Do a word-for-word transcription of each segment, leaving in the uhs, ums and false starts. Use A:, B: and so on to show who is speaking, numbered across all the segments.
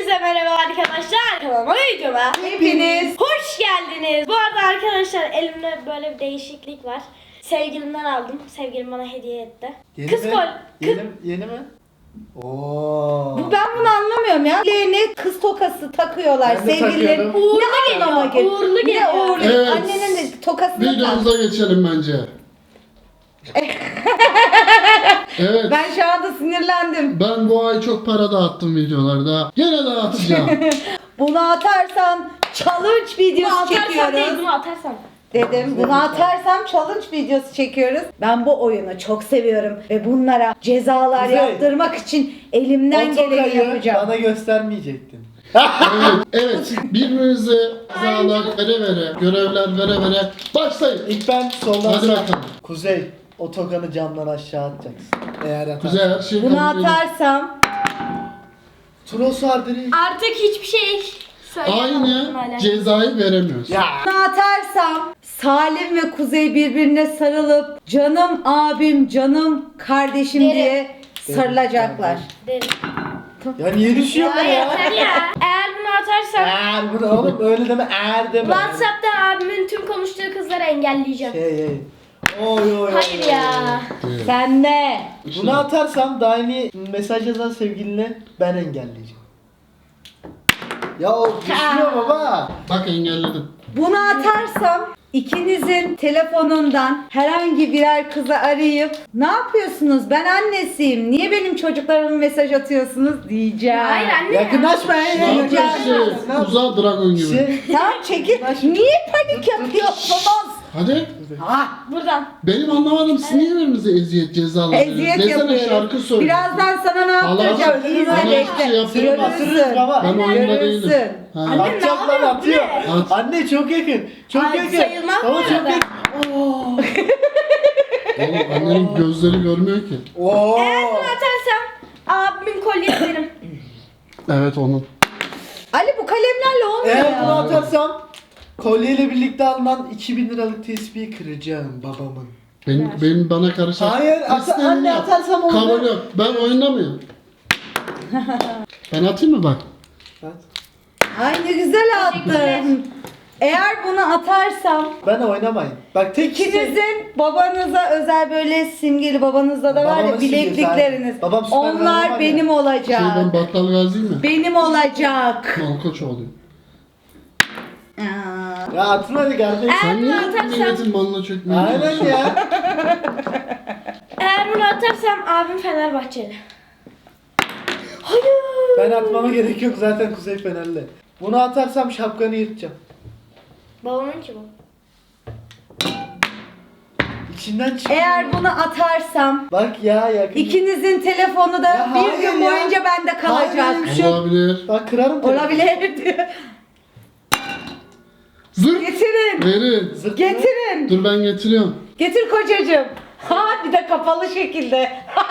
A: Hepinize merhaba arkadaşlar. Kanalıma videoma
B: Hepiniz
A: hoş geldiniz. Bu arada arkadaşlar elimde böyle bir değişiklik var. Sevgilimden aldım. Sevgilim bana hediye etti.
C: Yeni
A: Kız
C: mi?
A: kol.
C: Yeni,
A: Kız...
C: yeni mi? Oo.
B: Bu ben bunu anlamıyorum ya. Leğene kız tokası takıyorlar.
C: Ben de
B: Sevgilileri
C: takıyorum.
A: Uğurlu
B: ne anlama
A: geliyor,
B: geliyor?
A: uğurlu geliyor.
B: Ne uğurlu?
D: Evet.
B: Annenin de tokasını tak.
D: Videomuza geçelim bence. Evet.
B: Ben şu anda sinirlendim.
D: Ben bu ay çok para dağıttım videolarda. Gene dağıtacağım.
B: Bunu atarsan challenge
A: Bunu
B: videosu
A: atarsam değil,
B: çekiyoruz.
A: bunu atarsam.
B: Dedim bunu atarsam challenge videosu çekiyoruz. Ben bu oyunu çok seviyorum ve bunlara cezalar
C: Kuzey.
B: yaptırmak için elimden
C: O
B: geleni
C: tokayı
B: yapacağım.
C: bana göstermeyecektin.
D: Evet, evet. Birbirinize cezalar vere vere, görevler vere vere başlayın.
C: İlk ben soldan
D: Hadi
C: sağ.
D: bakalım.
C: Kuzey, o tokanı camdan aşağı atacaksın. Eğer atarsan.
D: Kuzey her şeyi
B: Bunu
D: kabul edin.
B: atarsam
C: Turos Arderi.
A: Artık hiçbir şey söyleyemem.
D: Aynı cezayı veremiyoruz.
C: Ya.
B: bunu atarsam Salim ve Kuzey birbirine sarılıp canım abim, canım kardeşim
A: Derim.
B: diye sarılacaklar.
A: Derim.
C: Ya niye düşüyor
A: Ya
C: ya?
A: yeter ya. Eğer bunu atarsam
C: Eğer bu da oğlum öyle deme eğer deme.
A: WhatsApp'tan abimin tüm konuştuğu kızları engelleyeceğim.
C: Şey hey. Oy oy oy.
A: Hayır
C: oy.
A: ya.
D: Evet.
B: Sen de.
C: Bunu atarsam daimi mesaj yazan sevgiline ben engelleyeceğim. Ya o düşüyor baba.
D: Bak engelledim.
B: Bunu atarsam ikinizin telefonundan herhangi birer kızı arayıp ne yapıyorsunuz? Ben annesiyim. Niye benim çocuklarıma mesaj atıyorsunuz diyeceğim.
A: Hayır anne ya.
C: Yakınlaşmayın.
D: Ne yapıyorsun?
C: yakınlaşmayın.
D: Uzağa dragon gibi.
C: Şey,
B: Tamam çekil. Niye panik yapıyorsunuz?
D: Hadi.
B: Ah,
A: Buradan.
D: Benim anlamadım siz niye birbirinize eziyet cezalar
B: eziyet
D: veriyorsunuz? Desene
B: yapıyorum.
D: şarkı söyle.
B: Birazdan sana ne
D: Allah
B: yaptıracağım?
C: aşkına,
B: İzle
D: bana hiçbir
B: bekle.
D: şey yaptırma.
C: Batırırız baba.
D: Ben oyunda
B: Görürsün.
D: değilim. Ha.
A: Anne,
C: Atacak
A: ne
C: lan
A: yapıyor?
C: atıyor.
A: Bu
D: ne? At.
C: Anne çok yakın. Çok
A: Ay,
C: yakın.
A: sayılmaz
C: Baba
A: bu
C: çok
A: arada.
C: yakın. Oo.
D: Oğlum annenin gözleri görmüyor ki.
C: Oo.
A: Eğer bunu atarsam abimin kolyesi benim.
D: Evet onun.
B: Ali bu kalemlerle olmuyor
C: Eğer
B: ya.
C: bunu atarsam kolyeyle birlikte alınan iki bin liralık tespihi kıracağım babamın.
D: Benim, benim bana karışan.
C: Hayır, ata-
D: İstediğini
C: anne
D: yap.
C: atarsam olur.
D: Kabul yok. Ben oynamıyorum. Ben atayım mı bak?
C: Evet.
B: Ay ne güzel attın. Eğer bunu atarsam
C: Ben oynamayın. Bak tek
B: İkinizin babanıza özel böyle simgeli, babanızda da var ya
C: Babamın simgesi,
B: bileklikleriniz.
C: aynen. Babam süper kahraman
B: Onlar
C: ya.
B: benim olacak.
D: Şey ben Battal Gazi mi?
B: Benim olacak.
D: Malkoç oluyor.
B: Aa,
C: Ya atın hadi kardeşim.
A: Eğer
D: Sen
A: bunu
D: niye
A: atarsam,
D: milletin malına çökmeye
C: Aynen
D: çalışıyorsun?
C: ya.
A: eğer bunu atarsam abim Fenerbahçeli. Hayır.
C: Ben atmama gerek yok zaten Kuzey Fenerli. Bunu atarsam şapkanı yırtacağım.
A: Babamın ki bu.
C: İçinden çık.
B: Eğer bunu atarsam
C: Bak ya yakın.
B: ikinizin telefonu da
C: Ya
B: bir
C: hayır
B: gün
C: ya.
B: boyunca bende
C: Hayır,
B: kalacak.
C: öyle bir şey yok.
D: Olabilir.
C: Bak kırarım telefonu.
B: Olabilir diyor.
D: Zırt.
B: Getirin.
D: Verin.
C: Zırt.
B: Getirin.
D: Dur ben getiriyorum.
B: Getir kocacığım. Ha bir de kapalı şekilde.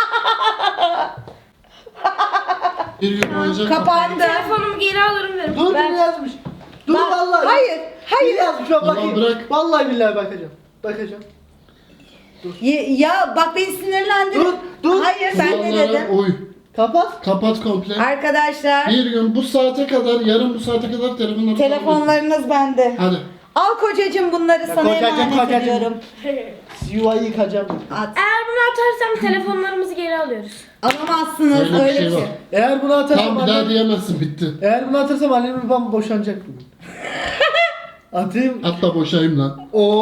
D: Bir gün boyunca
B: Kapandı.
A: Telefonumu geri alırım derim.
C: Dur
B: Ben-
C: ne yazmış? Dur
B: Bak,
C: vallahi.
B: hayır, hayır.
C: Ne yazmış bak
D: Tamam,
C: bakayım.
D: bırak.
C: Vallahi billahi bakacağım. Bakacağım.
B: Ye- Ya bak beni sinirlendirdin.
C: Dur, dur.
B: Hayır ben ne
D: kurallara
B: dedim?
D: uy.
C: Kapat.
D: Kapat komple.
B: Arkadaşlar
D: Bir gün bu saate kadar, yarın bu saate kadar telefonları
B: telefonlarınız bende.
D: Hadi.
B: Al kocacığım bunları
C: Ya
B: sana
C: kocacığım,
B: emanet
C: kocacığım.
B: ediyorum.
C: Yuvayı yıkacağım.
B: At.
A: Eğer bunu atarsam telefonlarımızı geri alıyoruz.
B: Alamazsınız
D: Öyle bir
B: öyle
D: şey
B: bir şey.
D: var.
C: Eğer bunu atarsam
D: Tamam bir daha
C: annem...
D: diyemezsin bitti.
C: Eğer bunu atarsam annem babam boşanacak bugün. Atayım.
D: Hatta boşayım lan.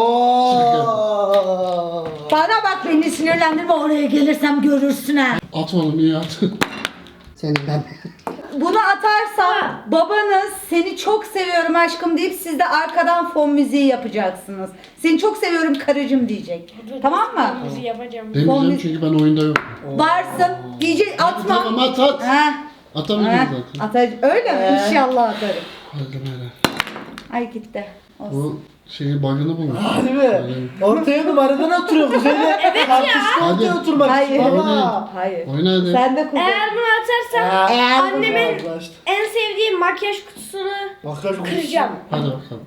C: Oo.
B: Bana bak beni sinirlendirme oraya gelirsem görürsün ha.
D: At oğlum iyi at. Senin ben.
B: Bunu atarsam babanız seni çok seviyorum aşkım deyip siz de arkadan fon müziği yapacaksınız. Seni çok seviyorum karıcığım diyecek. Tamam mı?
A: Bizi yapacağım.
D: Demeyeceğim çünkü ben oyunda yok.
B: Varsın diyecek atma.
D: Tamam at at.
B: Ha.
D: Atamıyorum
B: Ha.
D: zaten.
B: Atacağım. Öyle mi?
C: Ee?
B: İnşallah atarım.
D: Hadi böyle.
B: Ay gitti. Olsun.
D: Bu şeyin bug'ını bulmuş.
C: Hadi be. Ortaya numaradan oturuyor Kuzey'le. Evet ya.
D: Hadi.
C: Ortaya oturmak
B: Hayır.
C: için baba.
D: Oynayın.
B: Hayır.
D: Oyna hadi.
B: Sen de kuzey.
A: Eğer bunu atarsam
C: Eğer
A: annemin
C: bunu atlaştı.
A: en sevdiği makyaj kutusunu
C: Makyaj
A: kıracağım.
D: Hadi bakalım.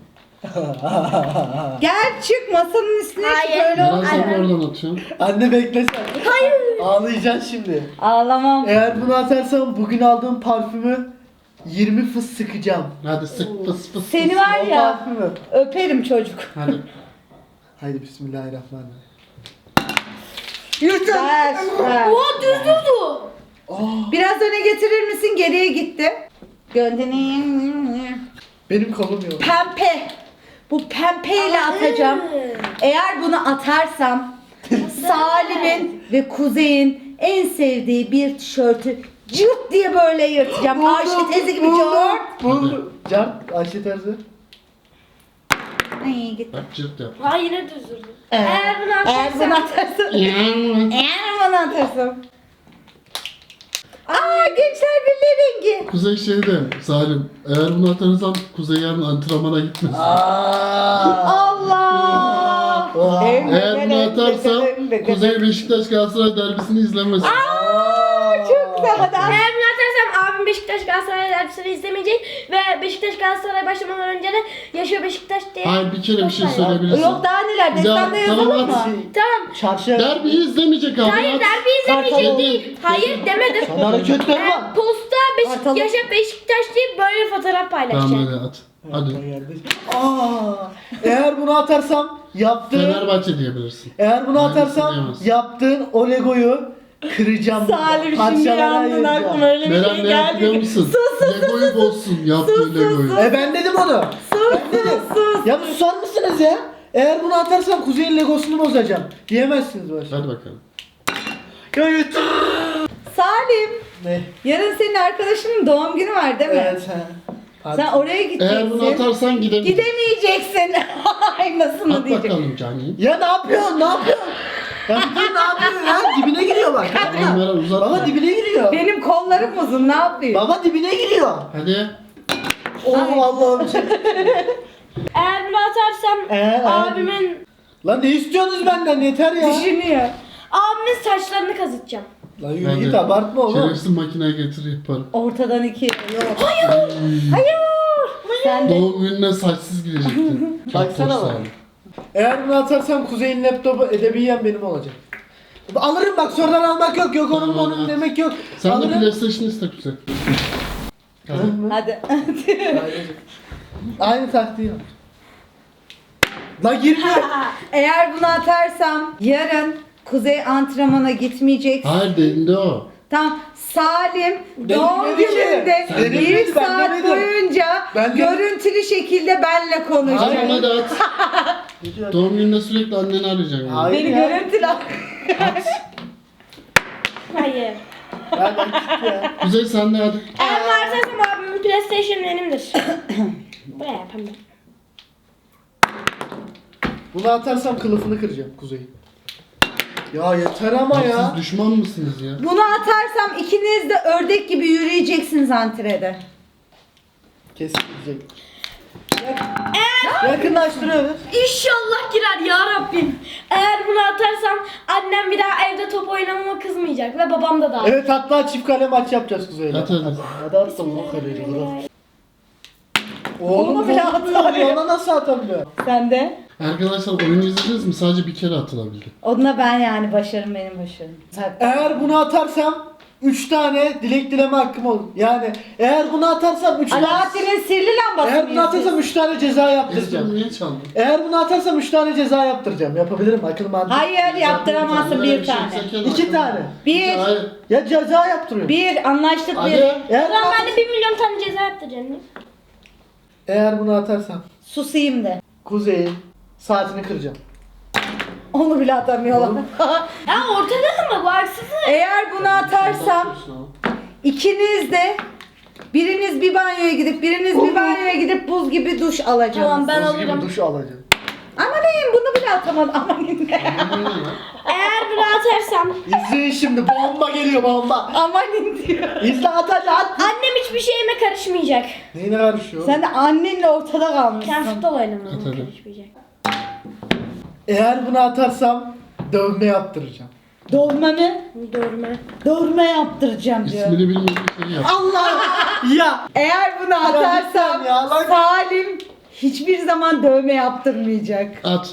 B: Gel çık masanın üstüne çık
A: Hayır.
B: öyle
D: Neden
B: ol.
D: sen de oradan atıyorsun?
C: Anne bekle sen. Hayır. Ağlayacaksın şimdi.
B: Ağlamam.
C: Eğer bunu atarsam bugün aldığım parfümü yirmi fıs sıkacağım.
D: Hadi sık fıs fıs.
B: Seni
D: fıs.
B: var ya
C: Vallahi mı?
B: öperim çocuk.
D: Hadi.
C: Haydi bismillahirrahmanirrahim.
B: Yürü. Ver, ver.
A: Oha düz durdu.
C: Aa,
B: Biraz öne getirir misin? Geriye gitti. Gönderin.
C: benim kolum yok.
B: Pempe. Bu pempeyle atacağım. Eğer bunu atarsam Salim'in ve Kuzey'in en sevdiği bir tişörtü cırt diye böyle yırtacağım. Ayşe teyze gibi cırt.
C: Buldum. Can, Ayşe teyze.
B: Ay gitti.
D: Bak cırt yap.
A: Ha yine düz durdu.
B: Ee,
A: Eğer bunu
B: Eğer bunu
A: atarsam.
B: atarsam.
D: Yani.
B: Eğer bunu atarsam. Aa gençler birliği rengi.
D: Kuzey şeyde Salim. Eğer bunu atarsan Kuzey yarın antrenmana gitmez.
B: Allah.
C: Aa.
D: Eğer bunu atarsan Kuzey Beşiktaş Galatasaray derbisini izlemez.
B: Çok güzel. Hadi at.
A: Eğer bunu atarsam abim Beşiktaş Galatasaray derbisini izlemeyecek ve Beşiktaş Galatasaray başlamadan önce de yaşıyor Beşiktaş diye.
D: Hayır bir kere bir şey
A: Çok var.
D: söyleyebilirsin.
B: Yok daha neler?
D: Ya,
B: Destanda
D: tamam,
B: yazalım mı?
D: at.
A: Tamam.
C: Çarşı.
D: Derbiyi izlemeyecek abi.
A: Hayır
D: at.
A: derbi izlemeyecek
B: Kartal
A: değil. Hayır demedim.
C: Sana hareketler
A: Eğer
C: var.
A: posta Beşik,
B: Kartal.
A: yaşa Beşiktaş deyip böyle fotoğraf paylaşacağım.
D: Tamam hadi at. Hadi.
C: Aa, eğer bunu atarsam yaptığın
D: Fenerbahçe diyebilirsin.
C: eğer bunu
D: Aynısını
C: atarsam
D: diyemezsin.
C: yaptığın o Lego'yu kıracağım.
B: Salim şimdi
C: Parçalara
B: yandın
C: ayıracağım.
B: aklıma öyle bir
D: Meral
B: şey
D: ne yaptı biliyor
B: geldi.
D: musun?
B: Sus sus
D: Lego'yu bozsun yaptığı Lego'yu.
C: E ben dedim onu.
B: sus sus sus.
C: Ya bir susar mısınız ya? Eğer bunu atarsam Kuzey'in Legosunu bozacağım. Diyemezsiniz böyle.
D: Hadi bakalım.
C: Ya yeter.
B: Salim,
C: Ne?
B: yarın senin arkadaşının doğum günü var değil mi?
C: Evet he. Hadi.
B: Sen oraya gideceksin.
D: Eğer bunu atarsan gidemeyeceksin.
B: Gidemeyeceksin. Ay nasıl mı
D: At
B: diyecek?
D: bakalım Cani.
C: Ya ne yapıyorsun? Ne yapıyorsun? Ya bir dur ne yapıyorsun ya? Dibine giriyor bak.
D: Tamam Meral uzatma.
C: Baba dibine giriyor.
B: Benim kollarım uzun ne yapayım?
C: Baba dibine giriyor.
D: Hadi.
C: Oh Allah'ım.
A: Eğer bunu atarsam
C: Eğer-
A: abimin
C: Lan ne istiyorsunuz benden? Yeter ya.
B: Düşünüyor.
A: abimin saçlarını kazıtacağım.
C: Lan yürü git abartma oğlum.
D: Şerefsiz makineye getir yaparım.
B: Ortadan iki. Yok. Hayır. Hayır. Sen de.
D: Doğum gününe saçsız gidecektin. Çok
C: Baksana
D: hoş
C: bak.
D: Salim.
C: Eğer bunu atarsam Kuzey'in laptopu edebiyen benim olacak. Alırım bak sonradan almak yok. Yok onun
D: Tamam,
C: onun
D: at.
C: demek yok.
D: Sen de
C: Alırım.
D: PlayStation iste Kuzey. Hadi.
B: Hadi.
C: Aynı taktiği yap. La girmiyor.
B: Eğer bunu atarsam yarın Kuzey antrenmana gitmeyecek.
D: Hayır delindi o.
B: Tam Salim
C: Dedim
B: doğum
C: dedi ki.
B: gününde
C: Sen dedin
B: bir
C: dedi, ben
B: saat
C: demedim.
B: boyunca
C: Ben dedim.
B: görüntülü şekilde benle konuşacak.
D: Tamam hadi at. Doğum gününde sürekli anneni arayacaksın. Yani.
C: Hayır.
B: Beni
C: ya.
B: görüntülü
A: Hayır.
C: Ya bak git ya.
D: Kuzey sen de hadi.
A: Eğer bunu atarsam abimin PlayStation benimdir. Buraya yapamam.
C: Bunu atarsam kılıfını kıracağım Kuzey'in. Ya yeter ama
D: Bak
C: ya.
D: siz düşman mısınız ya?
B: Bunu atarsam ikiniz de ördek gibi yürüyeceksiniz antrede.
C: Kesilecek. Yakınlaştırıyoruz.
A: İnşallah girer ya Rabbim. Eğer bunu atarsam annem bir daha evde top oynamama kızmayacak ve babam da dahil.
C: Evet hatta çift kale maç yapacağız Kuzey'le.
D: At hadi.
C: Hadi at da bunu kırıyor.
B: Onu
C: Oğlum
B: bile
C: bunu
B: atabiliyor.
C: Ona nasıl atabiliyor?
B: Sen de?
D: Arkadaşlar oyunu izlediniz mi? Sadece bir kere atılabildi.
B: Onunla ben yani başarım benim başarım.
C: Eğer bunu atarsam üç tane dilek dileme hakkım olur. Yani eğer bunu atarsam üç tane...
B: Alaaddin'in sihirli lambası
C: Eğer bunu atarsam üç tane ceza
D: Esra
C: yaptıracağım.
D: niye çaldın?
C: Eğer bunu atarsam üç tane ceza yaptıracağım. Yapabilirim akıl mantık.
B: Hayır yaptıramazsın
D: Böyle
B: bir
D: şey
B: tane.
D: yapsak ya,
C: İki
D: akıllı.
C: tane.
B: Bir.
D: Hayır.
C: Ya ceza yaptırıyorum.
B: Bir anlaştık
D: Hadi.
B: bir.
C: Eğer,
A: O zaman
C: bunu
A: ben de bir milyon tane ceza yaptıracağım.
C: eğer bunu atarsam
B: Susayım de.
C: Kuzey'in saatini kıracağım.
B: Onu bile atamıyorlar.
A: Ya ortada mı bu haksızlık?
B: Eğer bunu atarsam ikiniz de biriniz bir banyoya gidip biriniz bir banyoya gidip buz gibi duş alacaksınız.
A: Tamam ben
C: Buz gibi
A: alırım.
C: duş alacağım.
B: Amanın bunu bile atamadım. Amanın ne?
A: Eğer bunu atarsam
C: İzleyin şimdi bomba geliyor bomba.
B: Amanın diyor.
C: İzle at hadi at.
A: annem hiçbir şeyime karışmayacak.
C: Neyine karışıyor?
B: Sen de annenle ortada
A: Sen
B: kalmışsın.
A: futbol oynamaya
D: Atarım.
A: karışmayacak.
C: Eğer bunu atarsam dövme yaptıracağım.
B: Dövme mi?
A: Dövme.
B: Dövme yaptıracağım diyor.
D: İsmini bilmediğin şeyi yap.
C: Allah ya.
B: Eğer bunu atarsam
C: lütfen ya, lan.
B: Salim hiçbir zaman dövme yaptırmayacak.
D: At.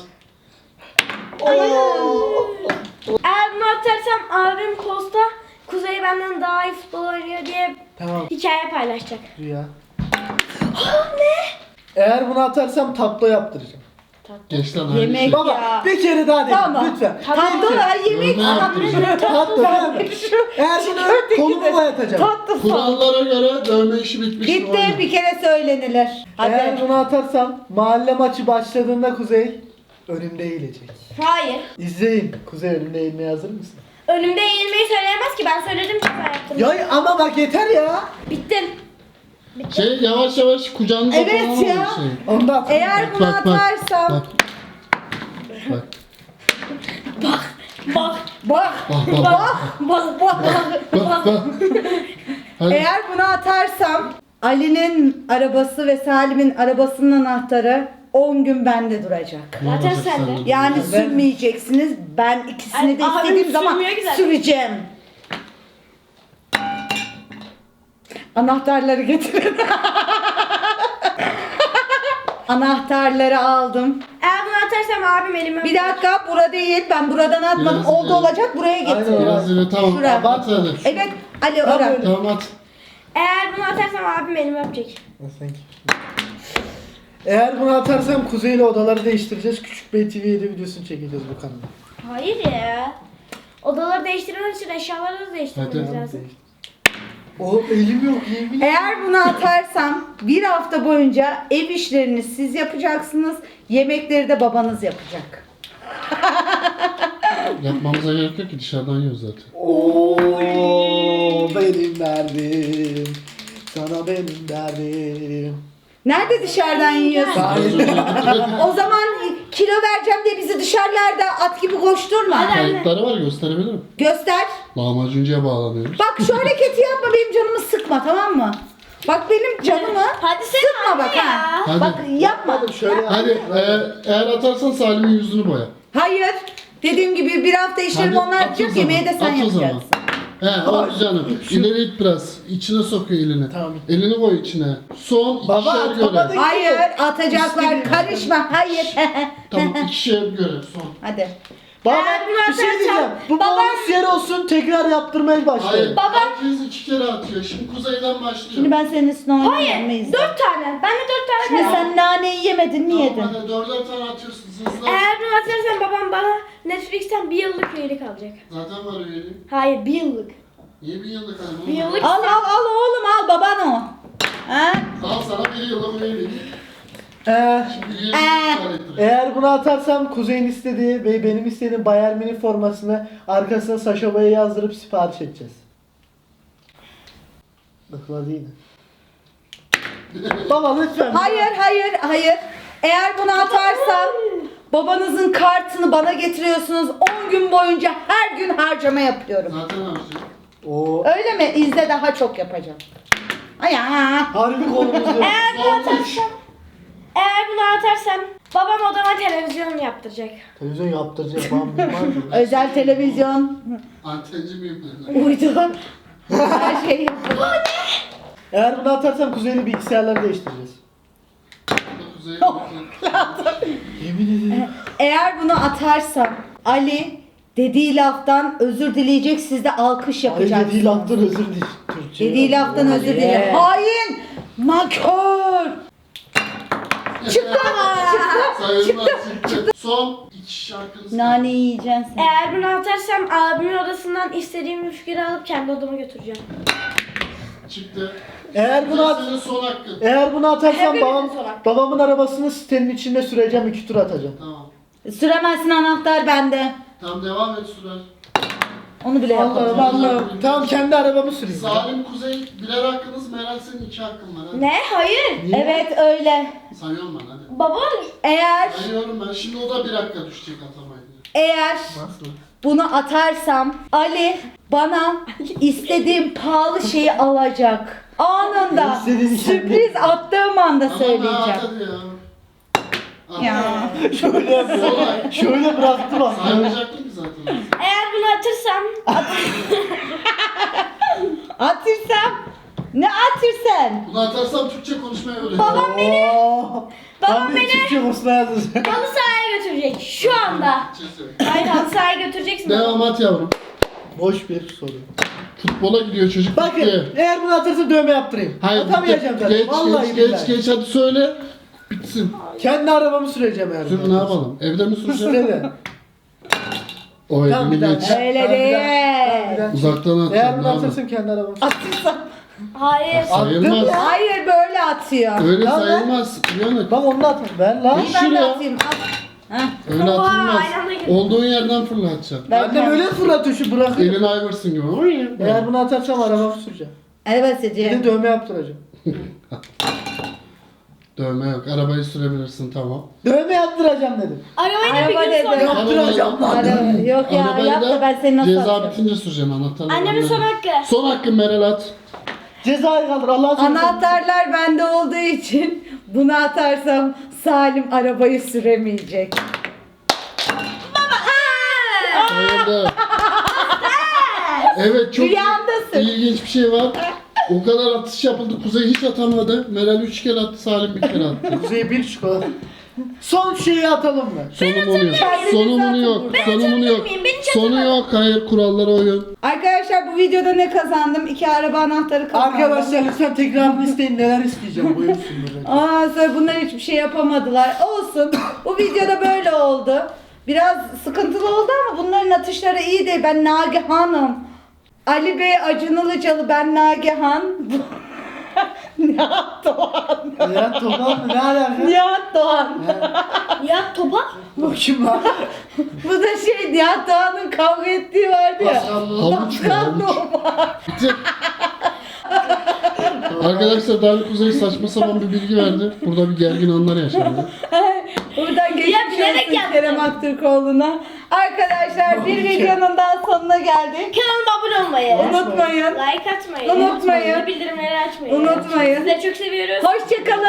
A: Eğer bunu atarsam abim posta Kuzey benden daha iyi futbol oynuyor diye
C: Tamam.
A: Hikaye paylaşacak.
C: Rüya. Ne? Eğer bunu atarsam tatlı yaptıracağım.
D: Geç lan.
B: Yemek.
D: Yemek.
C: Baba
B: Ya.
C: bir kere daha dedim
B: Tamam.
C: lütfen.
B: Tatlı da yemek.
D: Ne yapıyorsun?
C: Tatlı tamam. Eğer bunu kolumu boyatacağım.
B: Tatlı sağ.
D: Kurallara göre dövme işi bitmiş.
B: Bitti, bir kere söylenilir. Hadi.
C: Eğer bunu atarsam mahalle maçı başladığında Kuzey önümde eğilecek.
A: Hayır.
C: İzleyin. Kuzey önümde eğilmeye hazır mısın?
A: Önümde eğilmeyi söyleyemez ki. Ben söyledim ki ben yaptım.
C: Ya ama bak yeter ya.
A: Bittim.
D: Şey yavaş yavaş kucağınıza
B: Evet
D: falan
B: ya.
D: alın şey.
C: Onu da at.
B: Eğer bunu
D: Bak, bak,
B: atarsam
D: Bak. Bak.
A: Bak.
B: bak
D: Bak bak bak.
B: bak bak
D: Bak bak. Hadi.
B: eğer bunu atarsam Ali'nin arabası ve Salim'in arabasının anahtarı on gün bende duracak.
A: Zaten sende.
B: Yani
C: Ben-
B: sürmeyeceksiniz. Ben ikisini de
A: Ay, abim
B: istediğim zaman
A: sürmüyor ki zaten.
B: süreceğim. Anahtarları getirin. Anahtarları aldım.
A: Eğer bunu atarsam abim elime
B: Bir dakika, bura değil. Ben buradan atmadım.
D: Biraz
B: Oldu
D: ileri.
B: olacak, buraya
C: Aynen.
B: getir.
D: Biraz yine tamam.
B: Şuraya.
D: At hadi.
B: Evet, Ali
C: Tamam,
B: ora.
C: öyle.
D: Tamam at.
A: Eğer bunu atarsam abim elime öpecek.
C: Sen kim? Eğer bunu atarsam Kuzey ile odaları değiştireceğiz. Küçük Bey T V yedi videosunu çekeceğiz bu kanalda.
A: Hayır ya. Odaları değiştirmek için eşyaları da değiştirmemiz
D: Hadi.
A: lazım.
C: O elim yok yemin.
B: Eğer bunu atarsam bir hafta boyunca ev işlerini siz yapacaksınız. Yemekleri de babanız yapacak.
D: Yapmamıza gerek yok ki dışarıdan yiyoruz zaten.
C: Oo benim derdim. Sana benim derdim.
B: Nerede dışarıdan yiyorsun? O zaman kilo vereceğim diye bizi dışarılarda at gibi koşturma.
D: Kayıtları var gösterebilirim.
B: Göster.
D: Lahmacuncuya bağlanıyoruz.
B: Bak şu hareketi yapma, benim canımı sıkma, tamam mı? Bak benim canımı
A: Hadi sen
B: sıkma
A: anne
B: bak
A: ya.
B: ha.
D: Hadi.
B: Bak yapma.
C: Yapmadım şöyle.
D: Hadi e, eğer atarsan Salim'in yüzünü boya.
B: Hayır. Dediğim gibi bir hafta işlerim
D: Hadi,
B: onlar
D: at o
B: yapacak,
D: zaman,
B: yemeği de sen
D: at o zaman.
B: yapacaksın.
D: He o canım. İleri it biraz. İçine sokuyor elini.
C: Tamam.
D: Elini koy içine. Son
C: Baba,
D: ikişer
C: atamadı.
D: görev.
B: Hayır, atacaklar.
C: İstediğin-
B: Karışma. Hayır.
D: Tamam ikişer görev son.
B: Hadi.
C: Baba
A: Eğer bunu
C: bir şey
A: atarsam
C: diyeceğim. Bu
A: babam-
C: bonus yer olsun tekrar yaptırmaya başlayalım.
D: Hayır.
A: Baba-
D: Herkes iki kere atıyor. Şimdi kuzeyden başlıyor.
B: Şimdi ben senin üstüne oynayacağım.
A: Hayır. Dört tane. Ben de dört tane
B: Şimdi
A: dedim.
B: sen naneyi yemedin, niye yedin?
D: Tamam hadi dörder tane atıyorsun hızlı.
A: Eğer bunu atarsam babam bana Netflix'ten bir yıllık üyelik alacak.
D: Zaten var üyelik.
A: Hayır, bir yıllık.
D: Niye bir yıllık hani?
A: Bir yıllık.
B: Al al al oğlum, al baban o. Ha?
D: Al sana bir yıllık üyelik.
C: Ee,
D: Şimdi üyelik
B: Ee.
D: iptal ettir.
C: eğer bunu atarsam Kuzey'in istediği ve benim istediğim Bayern Münih formasını arkasına Saşa Boya'yı yazdırıp sipariş edeceğiz. Bakla değil mi? Baba lütfen.
B: Hayır hayır hayır. Eğer bunu atarsam babanızın kartını bana getiriyorsunuz. on gün boyunca her gün harcama yapıyorum.
D: Zaten harcıyor.
C: Oo.
B: Öyle mi? İzle, daha çok yapacağım. Ay ya.
C: Harbi kolumuz yok.
A: Eğer bunu atarsam, eğer bunu atarsam babam odama televizyon yaptıracak.
C: Televizyon yaptıracak babam bilmez mi?
B: Özel televizyon.
D: Antenci miyim ben?
B: Uydu. Her şey yapıyorum.
C: Eğer bunu atarsam Kuzey'le bilgisayarları değiştireceğiz.
D: Kuzey
C: Yemin ederim.
B: Eğer bunu atarsam Ali dediği laftan özür dileyecek, siz de alkış
C: Ay
B: yapacaksınız.
C: dediği laftan özür dilerim. Türkçe.
B: Dediği laftan özür dilerim. Hain! Nankör! Çıktı ama!
D: Sayılmaz çıktı. Son iki şarkınız.
B: Nane yiyeceksin sen.
A: Eğer bunu atarsam abimin odasından istediğim müfkürü alıp kendi odama götüreceğim.
D: Çıktı.
C: Eğer bunu at
D: Senin son hakkın.
C: Eğer bunu atarsam
A: Hepimizin
C: babam,
A: sonra.
C: babamın arabasını sitenin içinde süreceğim, iki tur atacağım.
D: Tamam.
B: Süremezsin, anahtar bende.
D: Tamam devam et sürer.
B: Onu bile yapamam.
C: Allah'ım Allah'ım. Tamam kendi arabamı süreyim.
D: Salim Kuzey birer hakkınız, Meral senin iki hakkın var. Hadi.
A: Ne? Hayır.
C: Niye?
B: Evet öyle.
D: Sayıyorum ben hadi.
A: Baba
B: Eğer
D: Sayıyorum ben. Şimdi o da bir dakika düşecek atamaydı.
B: eğer
C: Nasıl?
B: bunu atarsam Ali bana istediğim pahalı şeyi alacak. Anında.
C: İstediğin şey
B: Sürpriz attığım anda
D: Tamam
B: söyleyeceğim.
D: at hadi ya. At.
B: Ya.
C: Şöyle yapıyor. Şöyle bıraktı bak.
D: Saymayacaktın ki zaten.
A: eğer bunu atırsam
B: Atırsam. Ne atırsan?
D: Bunu atarsam Türkçe konuşmayı öğrenirim.
A: Babam beni
C: Oo.
A: babam
C: Ben de
A: beni
C: Türkçe kursuna yazacağım.
A: halı sahaya götürecek şu anda.
D: Türkçe söyle.
A: Hayır, halı sahaya götüreceksin.
D: Devam at yavrum.
C: Boş bir soru.
D: Futbola gidiyor çocuk.
C: Bakın
D: gitti.
C: eğer bunu atırsa dövme yaptırayım.
D: Hayır
C: Atamayacağım
D: gitti.
C: zaten.
D: Geç
C: Vallahi
D: geç geç
C: billahi.
D: geç hadi söyle. Bitsin.
C: Kendi arabamı süreceğim eğer.
D: Sür
C: bunu
D: ne
C: atarsam.
D: yapalım? Evde mi süreceksin?
C: Sürede.
D: O
C: Tamam,
D: evini
C: bir
D: geç.
C: daha.
B: Öyle
C: Tamam, bir
B: değil.
C: daha. Tamam, bir daha.
D: Uzaktan
C: Eğer
D: atacağım.
C: bunu
D: Ne yapalım?
C: atırsam kendi arabamı
B: Atırsam.
A: Hayır.
D: Sayılmaz.
C: ya.
B: Hayır böyle atıyor.
D: Öyle
C: Ya lan.
D: sayılmaz. Uyanık.
C: Bak onu da atma. Ver lan.
D: Hiç-
B: Ben de
D: Şuraya.
B: atayım. At. Heh.
D: Öyle
A: Oha,
D: atılmaz.
A: aynı anda girdi.
D: Olduğun yerden fırlatacaksın.
B: Ben
C: Annem öyle fırlatıyor şu bırakıyor.
D: Elin Iverson gibi.
C: Eğer bunu atarsam arabamı süreceğim.
B: Evet
C: Bir
B: Seci.
C: de dövme yaptıracağım.
D: Dövme yok. Arabayı sürebilirsin tamam.
C: Dövme yaptıracağım dedim.
A: Arabayı da bir
B: Araba
A: gün
B: dedi.
A: sonra.
C: Yaptıracağım lan.
B: Araba- Yok ya
D: Arabayı
B: yap da ben seni nasıl
D: ceza
B: atacağım?
D: bitince süreceksin anahtarları.
A: Annemin son
D: vermem.
A: hakkı.
D: Son hakkın Meral at.
C: Cezayı kaldır Allah'a söylüyorum.
B: Anahtarlar bende olduğu için bunu atarsam Salim arabayı süremeyecek.
D: Sayıldı. Evet çok
B: Rüyandasın.
D: ilginç bir şey var. O kadar atış yapıldı. Kuzey hiç atamadı. Meral üç kere attı. Salim bir kere attı.
C: Kuzey bir çikolata. Son şeyi atalım mı?
D: Sonumunu yok.
B: Kendinizi
D: Sonumunu
B: atın
D: yok.
B: buradan.
D: Sonumunu yok.
A: miyim? Beni
D: Sonu yok. Hayır kurallara uyun.
B: Arkadaşlar bu videoda ne kazandım? İki araba anahtarı kazandım.
C: Arkadaşlar lütfen tekrarını isteyin neler isteyeceğim buyursunlar.
B: Aa sonra bunlar hiçbir şey yapamadılar. Olsun. Bu videoda böyle oldu. Biraz sıkıntılı oldu ama bunların atışları iyi değil. Ben Nagihan'ım. Ali Bey Acun Ilıcalı, ben Nagihan. Nihat Doğan.
C: Ya Topan mı? Ne alaka?
B: Nihat Doğan.
A: Ya topa.
C: Bu kim lan?
B: Bu da şey Nihat Doğan'ın kavga ettiği vardı ya.
D: Havuç mu?
B: Pascal
D: Havuç.
B: Numa.
D: Bitti. Arkadaşlar Dali Kuzey saçma sapan bir bilgi verdi. Burada bir gergin anlar yaşandı.
B: Buradan geçmiş
A: bilerek
B: olsun
A: yaptım.
B: Kerem Aktürkoğlu'na. Arkadaşlar bir videonun daha sonuna geldik.
A: Kanalıma abone olmayı.
B: Unutmayın.
A: Like atmayı.
B: Unutmayın.
A: Bildirimleri açmayı.
B: Unutmayın.
A: Sizleri çok seviyoruz.
B: Hoşçakalın.